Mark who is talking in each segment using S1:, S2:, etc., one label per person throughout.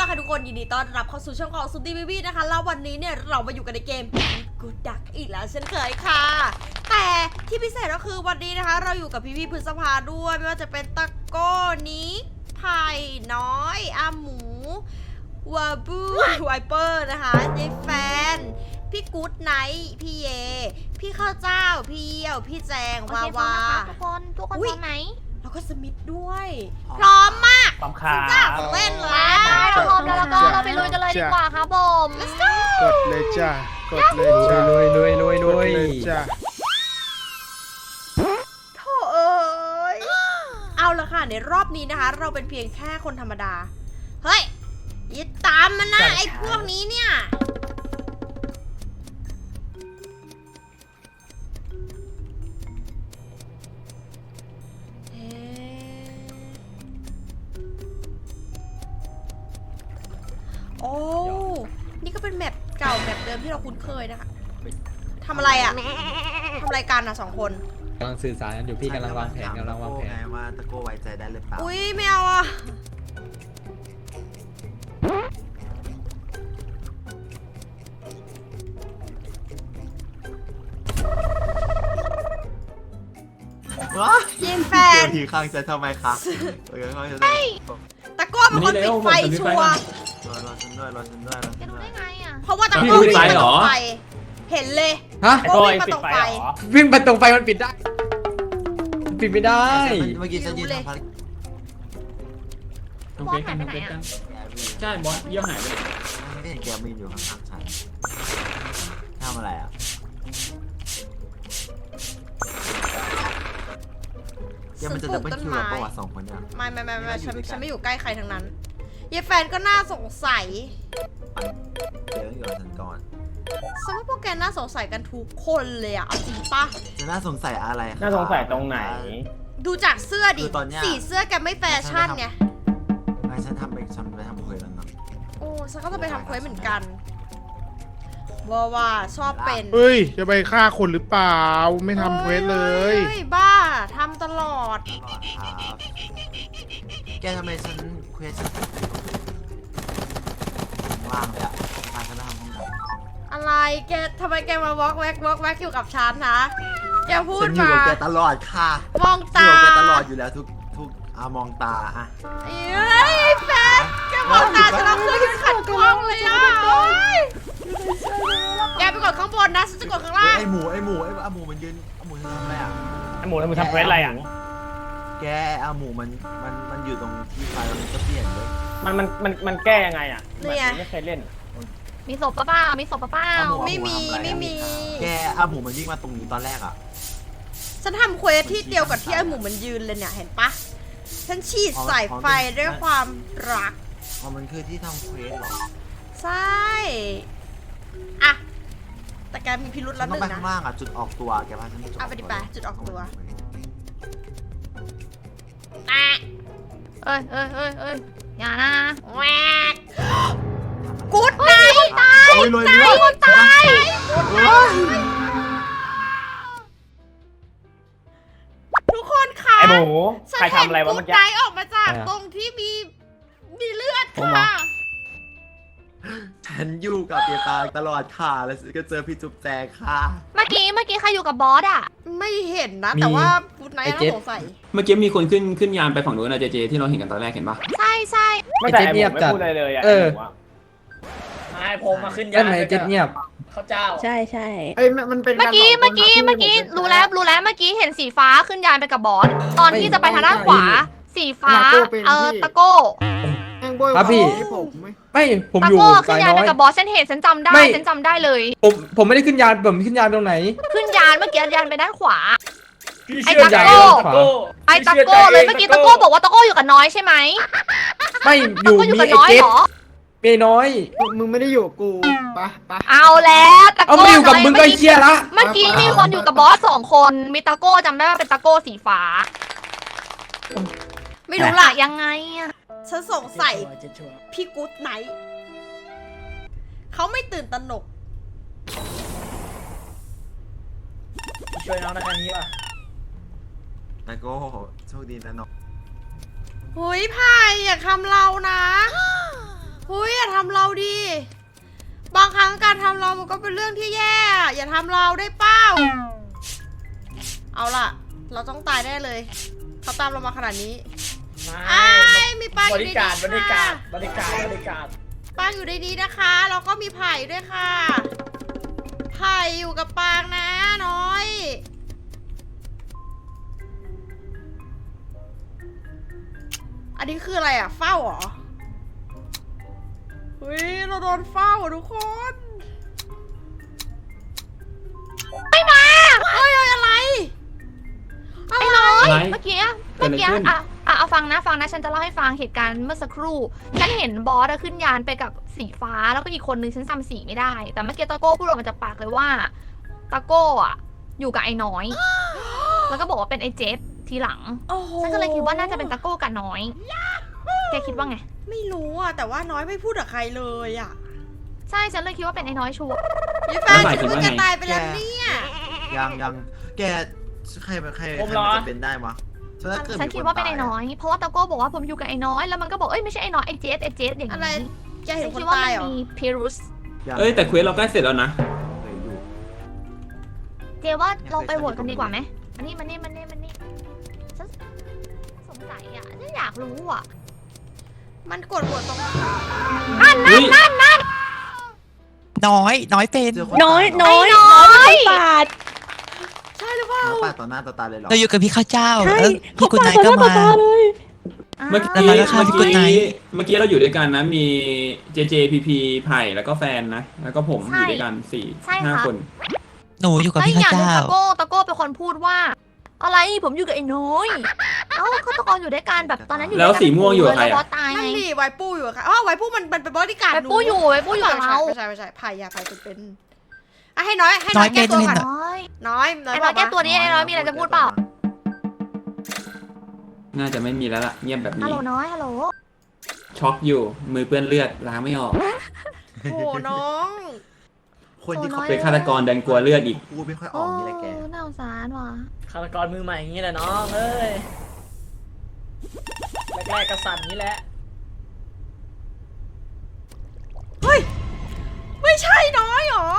S1: ค่ะทุกคนยินดีต้อนรับเข้าสู่ช่องของซุนตี้บีบี้นะคะแล้ววันนี้เนี่ยเรามาอยู่กันในเกมกูดักอีกแล้วเช่นเคยค่ะแต่ที่พิเศษก็คือวันนี้นะคะเราอยู่กับพี่พฤษภาด้วยไม่ว่าจะเป็นตะโก้นี้ไผ่น้อยอาหมูวาบูไวเปอร์นะคะยายแฟนพี่กู๊ดไนท์พี่เยพี่ข้าวเจ้าพี่เยี่ยวพี่แจงวาวา
S2: ทุกคนพร้อมไหม
S1: แล้วก็สมิธด้วย พร้อมมาก
S3: พร้อมค่ะ
S1: จ้าเล่นแล้ว
S2: เราพร้อมแล้วก็เราไปลุยกันเลยดีกว่าครับผม
S1: let's go
S4: กดเลยจ้ากดเลยจ้า
S3: ลุย
S4: กดเลยจ้า
S1: โถเอ้ยเอาละค่ะในรอบนี้นะคะ เราเป็นเพียงแค่คนธรรมดา เฮ้ยอย่าตามมันนะไอ้พวกนี้เนี่ยโอ้นี่ก็เป็นแมปเก่าแมปเดิมที่เราคุ้นเคยนะคะทำอะไรอะทำอะไรกันอะสองคน
S5: กำลังสื่อสารกันอยู่พี่กำลังวางแผน
S4: ไงว่าตะโก้ไว้ใจได้หรือเปล่า
S1: อุ้ยไม่เอาอะยินแฟน
S4: ทีข้างจะทำไมคะข้างจะ
S1: ตะโก้เป็นคนปิดไฟชัวร์
S4: รอฉันด้วยรอฉันด้วย
S2: จะรู้ได้ไงอ่ะ
S1: เพราะว่าตะโก้วิ่งมาตรงไฟเห็นเลย
S5: ฮะ
S1: ตะโก้วิ่งมาตรงไฟ
S5: วิ่งประตูไฟมันปิดได้ปิดไม่ได้
S4: เมื่อกี้ฉันยืนทำภารกิจ
S2: บอสหายไปไหนอ่ะ
S3: ใช่บอสเยี่ยวหายไป
S4: ไม่เห็นแกมีอยู่ข้างๆฉันทำอะไรอ่ะยังมันจะดับเบิลคิวกับประวัติสองคนเนี่ย
S1: ไม่ฉันไม่อยู่ใกล้ใครทั้งนั้นยายแฟนก็น่าสงสัย
S4: เดี๋ยวอยู่กับฉันก่อน
S1: สมมติพวกแกน่าสงสัยกันทุกคนเลยอะเอาจริงปะ
S4: จะน่าสงสัยอะไร
S3: น่าสงสัยตรงไหน
S1: ดูจากเสื้อดิ
S4: คือตอนเนี้ย
S1: สีเสื้อแกไม่แฟชั่นไง
S4: ไม่ฉันไปทำคุยแล้วเนาะ
S1: โอ้ฉันก็จะไปทำเควสเหมือนกันว่าชอบเป็น
S6: เฮ้ย จะไปฆ่าคนหรือเปล่า ไม่ทำเควสเลย
S1: ฮ้บ้าทำตลอด
S4: ตลอดครับแกทำไมฉันเควสว่างเลยอ่ะพาฉันไปทำห้องน้ำ
S1: อะไรแกทำไมแกมาวอล์กแวกอยู่กับฉันนะแกพูด
S4: ฉันอยู่
S1: มา
S4: กับแกตลอดค่ะ
S1: มอง
S4: อยู่
S1: ตา
S4: กับแกตลอดอยู่แล้วทุกมองตาอะ
S1: เอ้ยแฟนแกมองตาฉันเอาเครื่องยืนขัดกล้องเลยอ่ะโอ๊ยแกไปกดข้างบนนะฉันจะกดข้างล่าง
S4: ไอหมูมันยืนหมูทำอะไรอ่ะ
S3: ไอหมูทำเควสอะไรอ่ะ
S4: แกหมูมันอยู่ตรงที่ไฟมันก็เปลี่ยนเลย
S3: มันแก้ยังไงอ่ะไม่เคยเล่น
S2: มีศพปะเปล่ามีศพปะเปล่า
S1: ไม่มี
S4: แกหมูมันวิ่งมาตรงนี้ตอนแรกอ่ะ
S1: ฉันทำเควสที่เดียวกับที่ไอ้หมูมันยืนเลยเนี่ยเห็นปะฉันฉีดสายไฟด้วยความรัก
S4: อ๋อมันคือที่ทำเควสเหรอ
S1: ใช่อะแต่แกมีพิรุธ
S4: ฉั
S1: แล้
S4: น
S1: วห
S4: ต้อง
S1: นึ่ง
S4: ไป
S1: นะ
S4: ข้างล่างอ่ะจุดออกตัวแกพาฉันไปจุดออกตัว
S1: เอาไปดิไปจุดออกตัว แอะ
S2: เอ้ยอย่านะ
S1: แหวกกู๊ดไนท์
S4: โอ้ยเลยเลือด
S2: คนตาย
S1: ทุกคนคะ
S3: ไอหมู
S1: ฉัน
S3: ใคร
S1: เห็น
S3: ทำอะไรวะ
S1: กู๊
S3: เมื่อ
S1: ด
S3: กี้
S1: ไนท์ออกมาจากตรงที่มีเลือดค่ะ
S4: ฉันอยู่กับเปียตาตลอดค่ะแล้วก็เจอพี่จุ๊บแจงค่ะ
S2: เมื่อกี้ใครอยู่กับบอสอ่ะ
S1: ไม่เห็นนะ แต่ว่ากู๊ดไนท์ต้องสงสัย
S7: เมื่อกี้มีคนขึ้นยานไปฝั่งนู้นนะเจที่เราเห็นกันตอนแรกเห็นปะ
S2: ใช่
S3: ไม่แต่ไอหมูไม่พูดอะไรเลยอ่ะ
S8: นายผมมาขึ้นยา
S5: ด้านไหนเจ็ดเงียบ
S8: เขาเจ้า
S9: ใช่
S8: เอ้ยมันเป็น
S2: เมื่อกี้รู้แล้วเมื่อกี้เห็นสีฟ้าขึ้นยานไปกับบอสตอนที่จะไปทางด้านขวา สีฟ้าตะโก้
S5: ครับพี่ไม่ผม
S2: ตะ
S5: อยู่
S2: โก้ขึ้
S5: สาน ย
S2: ยาน
S5: น้
S2: ไป
S5: อย
S2: กับบอสฉันเห็นฉันจำได้
S5: ไม่
S2: ฉันจำได้เลย
S5: ผมไม่ได้ขึ้นยานผมขึ้นยานตรงไหน
S2: ขึ้นยานเมื่อกี้ยานไปด้านขวา
S8: พี่
S2: ไอ้
S8: เชื่อ
S2: ตะ
S8: ใจ
S2: โก้
S5: ขวา
S2: ไอ้ตะโก้เลยเมื่อกี้ตะโก้บอกว่าตะโก้อยู่กับน้อยใช่ไหม
S5: ไม่อ
S2: ตะ
S5: ยู่
S2: โก้อยู่
S5: มี
S2: กับ
S5: ไอ้
S2: น้อย
S5: เจ็ด
S2: เหรอ
S5: มีน้อย
S8: มึงไม่ได้อยู่กับกูปะ
S2: เอาแล้วตะ
S5: เอา
S2: โก้
S5: ไม่อยู่กับมึงก็เคลียร์ละ
S2: เมื่อกี้มีคนอยู่กับบอส2 คนมีตะโก้จำได้ว่าเป็นตะโก้สีฟ้า
S1: ไม่รู้ล่ะ
S2: ยังไงอะ
S1: ฉันสงสัยพี่กู๊ดไนท์เขาไม่ตื่นตระหนก
S8: ช่วยน้องในครั้งนี้ป่ะ
S4: ตะโก้โชคดีนะน้อง
S1: หุยพายอย่าทำเรานะหุำเราดิบางครั้งการทำเรามันก็เป็นเรื่องที่แย่อย่าทำเราได้เป้าเอาล่ะเราต้องตายแน่เลยเขาตามเรามาขนาดนี้มีปลาอบ ยู่ใน
S8: ริ
S1: นี้
S8: การ
S1: ค่ะ
S8: บริการบริการบริการ
S1: ปางอยู่ในนี้นะคะแล้วก็มีไผ่ด้วยค่ะไผ่อยู่กับปางนะน้อยอันนี้คืออะไรอ่ะเฝ้าเหรอเฮ้ยเราโดนเฝ้าทุกคนไม่มาเฮ้ยอะไร
S2: ไอ้น้อย
S7: อะไร
S2: เมื่อกี้
S7: เกิดอะไรขึ้น
S2: เอาฟังนะฉันจะเล่าให้ฟังเหตุการณ์เมื่อสักครู่ฉันเห็นบอสขึ้นยานไปกับสีฟ้าแล้วก็อีกคนนึงฉันจำสีไม่ได้ แต่เมื่อกี้ตะโก้พูดออกมาจากปากเลยว่าตะโก้อะอยู่กับไอ้น้อย แล้วก็บอกว่าเป็นไอ้เจฟทีหลัง
S1: โอ้โห
S2: ฉันก็เลยคิดว่าน่าจะเป็นตะโก้กับน้อยแกคิดว่าไง
S1: ไม่รู้อ่ะแต่ว่าน้อยไม่พูดกับใครเลยอ่ะ
S2: ใช่ฉันเลยคิดว่าเป็นไอ้น้อยชัวร์
S1: ยี่แฟนฉันเพิ่งจะตายไปแล้วเนี่ย
S4: ยังแกใครมันจะเป็นได้วะถ้าเกิด
S2: ฉันคิดว่าเป็นไอ้น้อย เพราะว่าตะโก้บอกว่าผมอยู่กับไอ้น้อยแล้วมันก็บอกเอ้ยไม่ใช่ไอ้น้อยไอ้เจฟอย่าง
S1: อะไร
S2: นี้
S1: แกเห็
S2: ฉั
S1: น
S2: น
S1: ค
S2: คิ
S1: น
S2: ดว่า
S1: ตา
S2: มั
S1: ย
S2: น
S1: เหรอ
S2: มีพิรุส
S7: เอ้ยแต่เควสเราใกล้เสร็จแล้วนะ
S2: เจว่าเราไปโหวตกันดีกว่าไหมมันนี่ฉันสงสัยอ่ะฉันอยากรู้อ่ะ
S1: มันกดหัวตรง
S2: นั่น
S9: น้อยเป็น
S4: น้อย
S2: ปาด
S1: ใช่หรือเปล่า
S4: ปาดต่อหน้าต่อตาเลยเหรอ
S9: เราอยู่กับพี่ข้าวเจ้าแล้วพี่กุนนายก็มา
S7: เมื่อ
S9: แล้วก็ฆ่าพี่กุ๊ดไนท์
S7: กี้เราอยู่ด้วยกันนะมี JJ PP ไผ่แล้วก็แฟนนะแล้วก็ผมอยู่ด้วยกัน4-5 คน
S9: หนูอยู่กับ
S2: แล้ว
S9: พี่
S2: อีกอ
S9: ข้าว
S2: ย่างหนึง
S9: เจ้า
S2: ตะโก้เป็นคนพูดว่า อะไรผมอยู่กับไอ้น้อยเอ้าฆาตกรอยู่ด้วยกันแบบตอนนั้นอยู่
S7: แล้วสีม่วงอยู่กับใคร
S2: แล้วบอ
S7: อะ
S2: สตาย
S1: นั่
S2: ไง
S1: นดิไวปูอยู่อะค่ะอ๋อไวปูมันเป็นบริการ
S2: ไวปูอยู่กับเรา
S1: ไม่ใช่ไผ่เป็นอ่ะให้น้อย
S9: น้อย
S1: แก้ตัว
S9: เป็น
S1: ก่อน
S2: น้อย
S1: น้อย
S2: ไอ้น้อยแก้ตัวนี้ไอ้น้อยมีอะไรจะพูดเปล่า
S7: น่าจะไม่มีแล้วล่ะเงียบแบบ
S2: ฮัล
S7: นี้
S2: โหลน้อยฮัลโหล
S7: ช็อกอยู่มือเปื้อนเลือดล้างไม่ออก
S1: โอ้น้อง
S4: คนที่เขา
S7: เป็นฆาตกรดันกลัวเลือดอีก
S4: พูดไม่ค่อยออกนี่แหละแก
S2: น่าสงสารว่ะ
S8: ฆาตกรมือใหม่อย่างนี้แหละน้องเอ้ยแรกๆกระสันนี้แหละ
S1: เฮ้ยไม่ใช่น้อยหรอ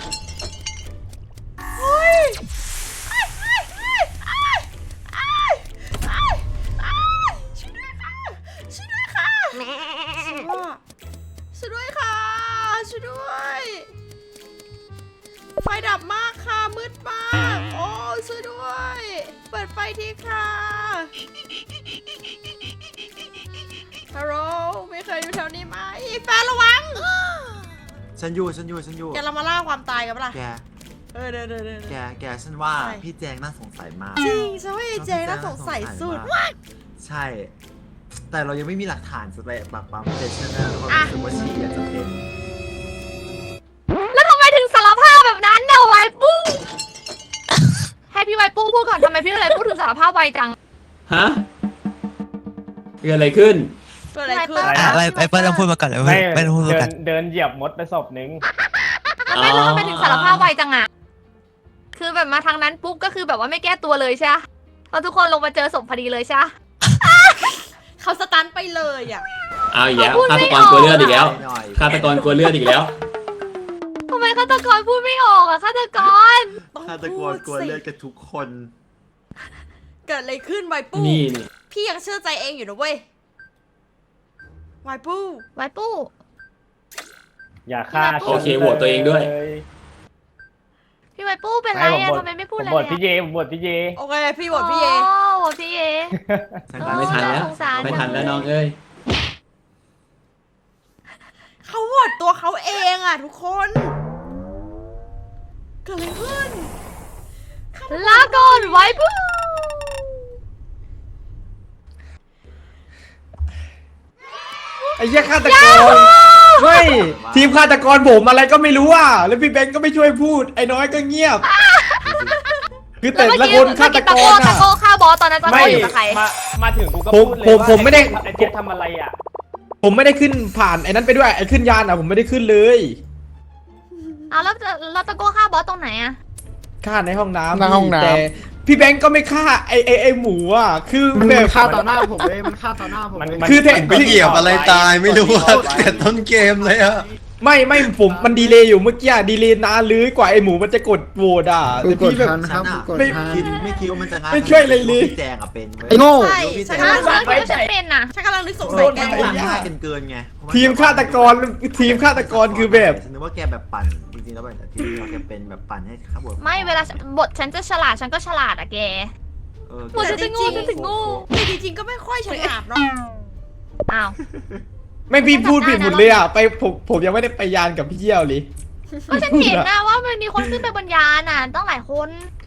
S1: เฮ้ยช่วยด้วยค่ะช่วยด้วยค่ะช่วยด้วยค่ะช่วยด้วยไฟดับมากค่ะมืดมากโอ้ช่วยด้วยเปิดไฟทีค่ะฮัลโหลไม่เคยอยู่แถวนี้ไหมแฟนระวัง
S4: ฉันอยู่
S1: แกเรามาล่าความตายกันปะล่ะ
S4: แก
S1: เดี๋ยว
S4: แกฉันว่า
S1: ใช่
S4: พี่แจงน่าสงสัยมาก
S1: จริงฉันว่าไอ้เจน่าสงสัยสุด
S4: มากใช่ แต่เรายังไม่มีหลักฐานจะไปปากปั๊มแต่ฉันนะความรู้สึกว่าชีอาจจะเป็น
S2: แล้วทำไมถึงสารภาพแบบนั้นเนี่ยไวปูให้พี่ไวปูพูดก่อนทำไมพี่ไวปูถึงสารภาพไวจัง
S7: ฮะเกิดอะไรขึ้น
S1: เกิดอะไรขึ้น
S9: อ่ะไปเปิ้ลลองพูดมาก่อนเลย
S3: ไม่
S9: เปิ้ลพูดมาก่อน
S3: เดินเหยียบมดไปศพนึง
S2: ไม่แล้วทำไมถึงสารภาพไวจังอะคือแบบมาทางนั้นปุ๊บก็คือแบบว่าไม่แก้ตัวเลยใช่ไหมพอทุกคนลงมาเจอศพพอดีเลยใช่ไหม
S1: เขาสตันไปเลยอ่ะ
S7: เอาอีกแล้ว
S2: เขาพูด
S7: ฆา
S2: ไม่
S7: ต
S2: อก อก
S7: รกลัวเลือดอีกแล้ว
S4: หน่อย
S7: ฆาตกรกลัวเลือดอีกแล้ว
S2: ทำไมฆาตกรพูดไม่ออกอะฆาตกร
S1: ต้อง
S4: ฆาตก
S1: พู
S4: ร
S1: ด
S4: กลัว
S1: สิ
S4: เลือดกันทุกคน
S1: เกิดอะไรขึ้นไวปู
S7: นี่
S1: พี่ยังเชื่อใจเองอยู่นะเว้ยไวปู
S2: ไวปู
S3: อย่าฆ่า
S2: โอเค
S7: โหวตตัวเองด้วย
S2: พี่ไวปูเป็นไรอะทำไมไม่พูด
S3: ผม
S2: อะไร
S3: บท
S2: อะ
S3: พี่เยผมบทพี่เย
S1: โอเคพี่บทพี่เอ
S2: โอ้โหพี่เอ
S7: ไม่ทันแล้ว
S2: สงสาร
S7: ไม่ทันแล้วน้องเอ้ย
S1: เขาโหวตตัวเขาเองอ่ะทุกคนเกิดอะไรขึ้น
S2: ลาก่อนไวปู
S5: ไอ้เหี้ยฆาตกรเฮ้ยทีมฆาตกรผมอะไรก็ไม่รู้อ่ะแล้วพี่เบนก็ไม่ช่วยพูดไอ้น้อยก็เงียบ คือแต่ละคนฆาตกร
S2: ตะ
S5: อ่ะ
S2: โก้ฆ่าบอสตอนนั้นตะโก้อยู่กับใคร
S3: มาถึงกูก็
S5: ผม
S3: พูดเลย
S5: ผม
S3: ว่า
S5: ผมไม่ได้
S3: ไอ้เจฟทำอะไรอ่ะ
S5: ผมไม่ได้ขึ้นผ่านไอ้นั้นไปด้วยไอ้ขึ้นยานอ่ะผมไม่ได้ขึ้นเลย
S2: เอาแล้วตะโก้ฆ่าบอสตรงไหนอะ
S5: ฆ่าในห้องน้ำ
S6: ในห้องน้ำ
S5: แต่พี่แบงก์ก็ไม่ฆ่าไอหมูอ่ะคือ
S6: มัน
S5: แบบ
S6: ฆ่าต่อหน้าผมเลยมันฆ่าต่อหน้าผมเลย
S5: คือแท้
S4: ไปเหยียบอะไรตายไม่รู้ว่าแต่ต้นเกมเลยอะ
S5: ไม่ผมมันดีเลย์อยู่เมื่อกี้ดีเลย์นานเลยกว่าไอหมูมันจะกดโหวตอ่ะ
S6: กู
S5: แต่
S6: กด
S5: พี่แบบ
S6: ทันครับกูกด
S5: ไม่
S6: ทัน
S4: ไม่คิดว่ามันจะง่าย
S5: ไม่ช่วยอะไรเลย
S4: พี่แจงอะเป็นเว้ย
S6: ไอ้โง่
S1: ใช่
S4: พี่
S1: ฉัน
S4: แจ
S1: กำ
S4: ง
S1: ลัง
S2: ฉันคิดว่าฉันเป็นน่ะ
S1: ฉันกำลังนึกสงสัยแกอยู่
S4: ง่ายเกินไง
S5: ทีมฆาตกรคือแบบ
S4: ฉันนึกว่าแกแบบปั่นจริงๆแล้วแบบที่เราแกเป็นแบบปั่นให้ข้าบท
S2: ไม่เวลาบทฉันจะฉลาดฉันก็ฉลาดอะแก หมด
S1: แต่
S2: จะ
S1: จ
S2: โง่
S1: ริง
S2: จะโง่
S1: ๆแต่จริงๆก็ไม่ค่อยฉลาดเนาะ
S2: อ้าว
S5: ไม่พี่พูดผิดหมดเลยอ่ะไปผมยังไม่ได้ไปยานกับพี่เยี่ยวเลย
S2: ก็ฉันเห็นนะว่ามันมีคนขึ้นไปบนยานน่ะต้องหลายคน